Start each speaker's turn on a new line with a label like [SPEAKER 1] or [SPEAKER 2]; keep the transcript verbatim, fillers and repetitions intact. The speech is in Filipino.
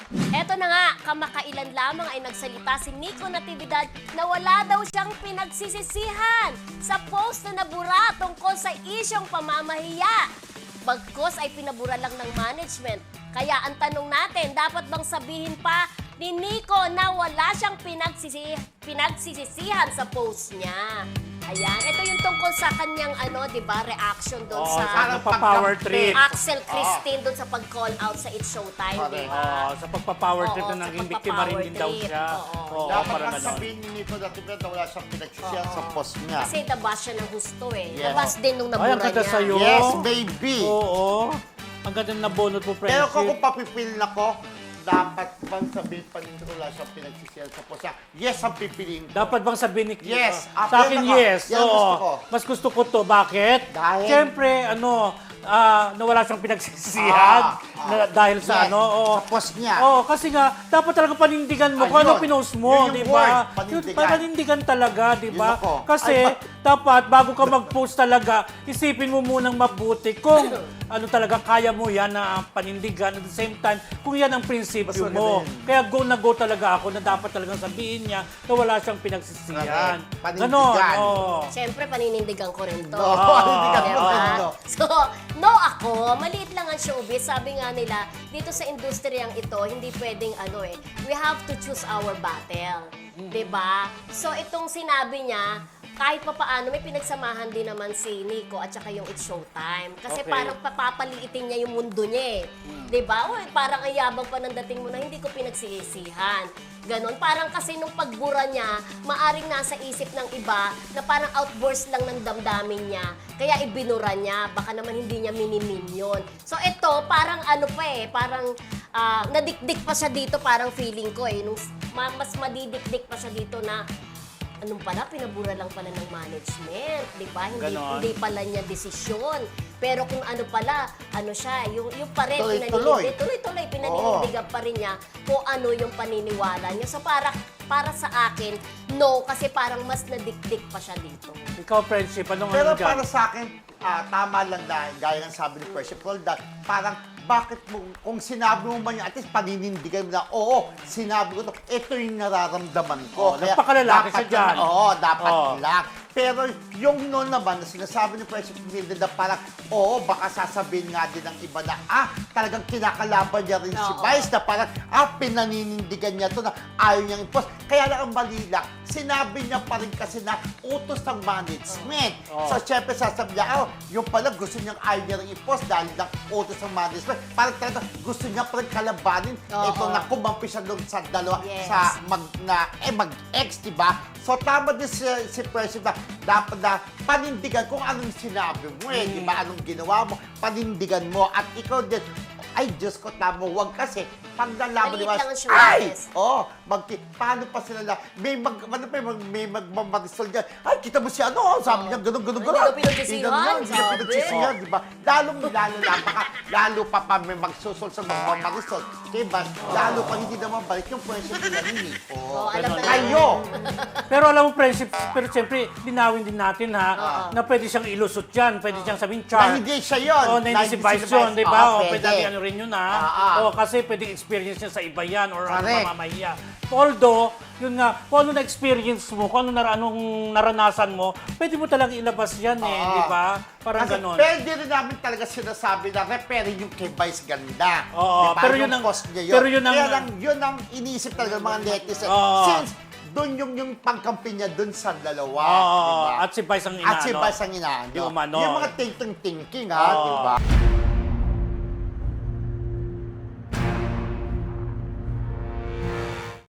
[SPEAKER 1] Eto na nga, kamakailan lamang ay nagsalita si Nico Natividad na wala daw siyang pinagsisisihan sa post na nabura tungkol sa isyong pamamahiya. Bagkus ay pinabura lang ng management. Kaya ang tanong natin, dapat bang sabihin pa ni Nico na wala siyang pinagsisi pinagsisisihan sa post niya? Ayan, ito yung tungkol sa kanyang ano, 'di ba, reaction doon
[SPEAKER 2] Oo,
[SPEAKER 1] sa
[SPEAKER 2] sa power trip.
[SPEAKER 1] Axel Christine doon sa pag-call out sa It's Showtime, 'di ba?
[SPEAKER 2] Oo, sa pagpa-power trip
[SPEAKER 1] Oo,
[SPEAKER 2] na
[SPEAKER 1] sa
[SPEAKER 2] naging biktima rin din daw
[SPEAKER 1] pagpa-power
[SPEAKER 2] siya.
[SPEAKER 1] trip, oo.
[SPEAKER 2] Oo,
[SPEAKER 3] Dapat
[SPEAKER 2] parang
[SPEAKER 3] lang
[SPEAKER 2] gano'n.
[SPEAKER 3] sabihin ni Nico Natividad na wala siyang pinagsisihan
[SPEAKER 1] Oo.
[SPEAKER 3] sa post niya.
[SPEAKER 1] Kasi nabas siya ng gusto eh.
[SPEAKER 3] Yes.
[SPEAKER 1] Nabas din nung
[SPEAKER 2] Ay,
[SPEAKER 1] nabura
[SPEAKER 2] ang ganda
[SPEAKER 1] niya.
[SPEAKER 2] sa'yo.
[SPEAKER 3] Yes, baby.
[SPEAKER 2] Oo. Ang ganda na bonus mo,
[SPEAKER 3] Pero
[SPEAKER 2] friendship.
[SPEAKER 3] kung, kung papipil na ko, dapat bang sabihin pa rin wala siyang pinagsisihan sa post niya? Yes, ang pipiliin ko.
[SPEAKER 2] Dapat bang sabihin ni
[SPEAKER 3] Yes.
[SPEAKER 2] Sa
[SPEAKER 3] Ah,
[SPEAKER 2] akin,
[SPEAKER 3] yan ako.
[SPEAKER 2] yes.
[SPEAKER 3] Yan
[SPEAKER 2] Oo.
[SPEAKER 3] gusto ko.
[SPEAKER 2] Mas gusto ko to. Bakit?
[SPEAKER 3] Dahil?
[SPEAKER 2] Siyempre, ano, ah, na wala siyang pinagsisihan.
[SPEAKER 3] Ah, ah.
[SPEAKER 2] na, dahil sa
[SPEAKER 3] Yes,
[SPEAKER 2] ano. Oo.
[SPEAKER 3] sa post niya.
[SPEAKER 2] Oo, kasi nga, dapat talaga panindigan mo kung
[SPEAKER 3] Ayun.
[SPEAKER 2] ano pinost mo,
[SPEAKER 3] Yun yung
[SPEAKER 2] di
[SPEAKER 3] word,
[SPEAKER 2] ba?
[SPEAKER 3] panindigan.
[SPEAKER 2] Yun, panindigan talaga, di ba?
[SPEAKER 3] Yun ako.
[SPEAKER 2] Kasi,
[SPEAKER 3] Ay, pa-
[SPEAKER 2] dapat, bago ka mag-post talaga, isipin mo munang mabuti kung ano talaga kaya mo yan na panindigan. At the same time, kung yan ang prinsipyo
[SPEAKER 3] Basta
[SPEAKER 2] mo.
[SPEAKER 3] ganun.
[SPEAKER 2] Kaya go na go talaga ako na dapat talagang sabihin niya na wala siyang pinagsisihan.
[SPEAKER 3] Correct. Panindigan.
[SPEAKER 2] Ganon, oo.
[SPEAKER 1] Siyempre, paninindigan ko rin to.
[SPEAKER 3] No, panindigan
[SPEAKER 1] Diba?
[SPEAKER 3] ko rin to.
[SPEAKER 1] So, no ako, maliit lang ang showbiz. Sabi nga nila, dito sa industriyang ito, hindi pwedeng ano eh, we have to choose our battle. Diba? So, itong sinabi niya, kahit pa paano, may pinagsamahan din naman si Nico at saka yung It's Showtime. Kasi
[SPEAKER 2] Okay.
[SPEAKER 1] parang papapaliitin niya yung mundo niya eh. Diba? Uy, parang ang yabang pa ng dating mo na hindi ko pinagsisihan. Ganon. Parang kasi nung pagbura niya, maaring nasa isip ng iba na parang outburst lang ng damdamin niya. Kaya ibinura niya. Baka naman hindi niya minimin yun. So ito, parang ano pa eh, parang ah, nadikdik pa siya dito, parang feeling ko eh. Nung, ma- mas madidikdik pa siya dito na anong pala, pinabura lang pala ng management, di ba? Hindi,
[SPEAKER 2] Ganon.
[SPEAKER 1] hindi pala niya desisyon. Pero kung ano pala, ano siya, yung, yung pa rin,
[SPEAKER 3] Tuloy-tuloy.
[SPEAKER 1] pinaninindig- tuloy-tuloy, pinaninindigan pa rin niya kung ano yung paniniwala niya. So para, para sa akin, no, kasi parang mas nadikdik pa siya dito.
[SPEAKER 2] Ikaw, friendship, anong
[SPEAKER 3] Pero
[SPEAKER 2] ano dyan?
[SPEAKER 3] para sa akin, ah, tama lang na, gaya ng sabi ni Friendship Roldan, parang bakit mo, kung sinabi mo man yun, at least paninindigan mo na, oo, sinabi ko to, ito yung nararamdaman ko.
[SPEAKER 2] Oo, nagpakalalaki siya
[SPEAKER 3] dapat
[SPEAKER 2] dyan.
[SPEAKER 3] lang- Oo, dapat
[SPEAKER 2] Oo.
[SPEAKER 3] lang. Pero yung noon naman, na sinasabi ni Friendship Roldan na parang, oo, baka sasabihin nga din ng iba na, ah, talagang kinakalaban niya rin si
[SPEAKER 1] Oo.
[SPEAKER 3] Vice, na parang, ah, pinaninindigan niya to na ayaw niyang i-post. Kaya lang ang mali lang, sinabi niya pa rin kasi na utos ng management.
[SPEAKER 2] Oo.
[SPEAKER 3] So, syempre sasabi niya, oh, yung pala gusto niyang ayaw niya rin i-post dahil lang utos ng management. Parang talaga gusto niya pa rin kalabanin.
[SPEAKER 1] Oo.
[SPEAKER 3] Ito na kumampi siya doon sa dalawa,
[SPEAKER 1] Yes.
[SPEAKER 3] sa mag, na, eh, mag-ex, di ba? So, tama din si, si President na dapat na panindigan kung anong sinabi mo eh, di ba? Anong ginawa mo, panindigan mo. At ikaw din, ay, Diyos ko, tama, huwag kasi pag nalaman
[SPEAKER 1] Maliit
[SPEAKER 3] ni Mas,
[SPEAKER 1] lang ang showbiz.
[SPEAKER 3] ay, oh, mag, paano pa sila na, may mag, ano pa, may, may magmamarisol dyan. Ay, kita mo si ano, sabi niya, ganun, ganun,
[SPEAKER 1] Hindi
[SPEAKER 3] ganun.
[SPEAKER 1] ko pinagsisihan,
[SPEAKER 3] Hindi ganun, Hindi ko
[SPEAKER 1] sabi.
[SPEAKER 3] pinagsisihan, di ba? Lalong, lalo na, baka, lalo pa pa may magsusol sa magmamarisol. Diba? Lalo pa hindi naman balik yung friendship nila ni Nico.
[SPEAKER 1] Oo, alam na
[SPEAKER 3] Kayo!
[SPEAKER 2] Pero alam mo, friendship, pero siyempre, linawin din natin ha, na pwede siyang ilusot yan, pwede siyang sabihin char.
[SPEAKER 3] Na hindi siya yun.
[SPEAKER 2] Oo, na hindi si Vice yun, di ba? O, pwede natin ano rin yun ha.
[SPEAKER 3] Ah, ah.
[SPEAKER 2] O, kasi pwede experience niya sa iba yan or ano
[SPEAKER 3] Correct.
[SPEAKER 2] mamamahiya. Although, yun nga, kung ano na-experience mo, kung ano nar anong naranasan mo, pwede mo talagang ilabas yan eh,
[SPEAKER 3] Ah.
[SPEAKER 2] di ba? Parang
[SPEAKER 3] Kasi
[SPEAKER 2] ganon.
[SPEAKER 3] pwede rin namin talaga sinasabi na referring yung kay Vice ganda.
[SPEAKER 2] Oo,
[SPEAKER 3] Diba?
[SPEAKER 2] pero
[SPEAKER 3] Yung
[SPEAKER 2] yun ang-
[SPEAKER 3] post niya yun.
[SPEAKER 2] pero yun ang-
[SPEAKER 3] Kaya lang, yun ang iniisip talaga ng mga netizen.
[SPEAKER 2] Oo.
[SPEAKER 3] Since doon yung, yung pangkampi niya doon sa dalawa.
[SPEAKER 2] Oo,
[SPEAKER 3] diba?
[SPEAKER 2] at si Vice ang inaano.
[SPEAKER 3] At si Vice ang inaano.
[SPEAKER 2] Di umano.
[SPEAKER 3] Yung mga thinking-thinking ha,
[SPEAKER 2] Oo.
[SPEAKER 3] di ba?